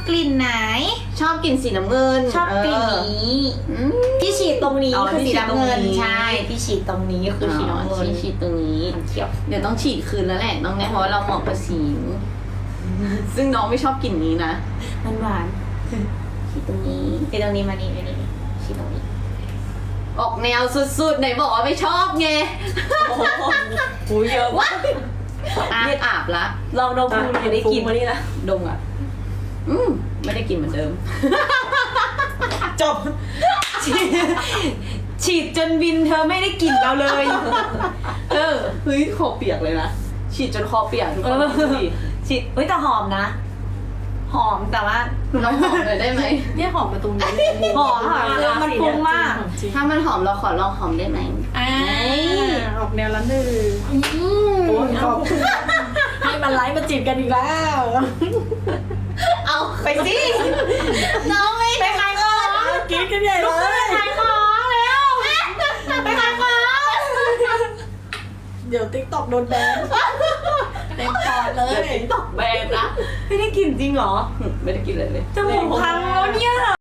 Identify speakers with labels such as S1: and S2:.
S1: กลิ่นไหน
S2: ชอบกลิ่นสีน้ำเงิน
S1: ชอบกลิ่นนี้ที่ฉีดตรงนี้คือสีน้ำเงินใช่ที่ฉีดตรงนี้คือสีน้ำเงิน
S2: ฉีดตรงนี้
S1: เขียว
S2: เดี๋ยวต้องฉีดคืนแล้วแหละน้องแนทเพราะว่าเราเหมาะกับสีซึ่งน้องไม่ชอบกลิ่นนี้นะ
S1: มันหวาน
S2: ฉีดตรงนี้
S1: ฉีดตรงนี้มานี่ฉีดตรงนี้
S2: ออกแนวสุดๆไหนบอกว่าไม่ชอบไง
S3: หูเยอะมาก
S2: เลือดอาบละ
S3: ลองดมดูไม่ได้กินมานี่นะ
S2: ดมอ่ะไม่ได้กลิ่นเหมือนเดิม
S3: จบ
S1: ฉีดจนบินเธอไม่ได้กลิ่นเราเลย
S2: เฮ้ยคอเปียกเลยนะฉีดจนคอเปียกทุกคนดูดิ
S1: ฉีดแต่หอมนะ หอมแต่ว่า
S2: น้องหอมเลยได้ไหม
S3: เนี่ยหอมมาตรงนี้
S1: หอมค่ะคือมันฟุ้งมาก
S2: ถ้ามันหอมเราขอลองหอมได้ไหม
S3: ออกแนวละหนึ่งโอ้ยขอบคุณให้มันไลฟ์มาจีบกันอีกแล้ว
S2: เอาไปสิ
S1: น้องไม่ไปขายของ
S3: กินกันใหญ่เลย
S1: ขายของแล้วไปขายของ
S3: เดี๋ยวติ๊กต็อกโดนแบนเต็มปอดเล
S2: เดี๋ยวย ติ๊กตอกแบนนะ
S1: ไม่ได้กลิ่นจริงเหรอ
S2: ไม่ได้กินเลย
S1: จมูกพังแล้วเนี่ย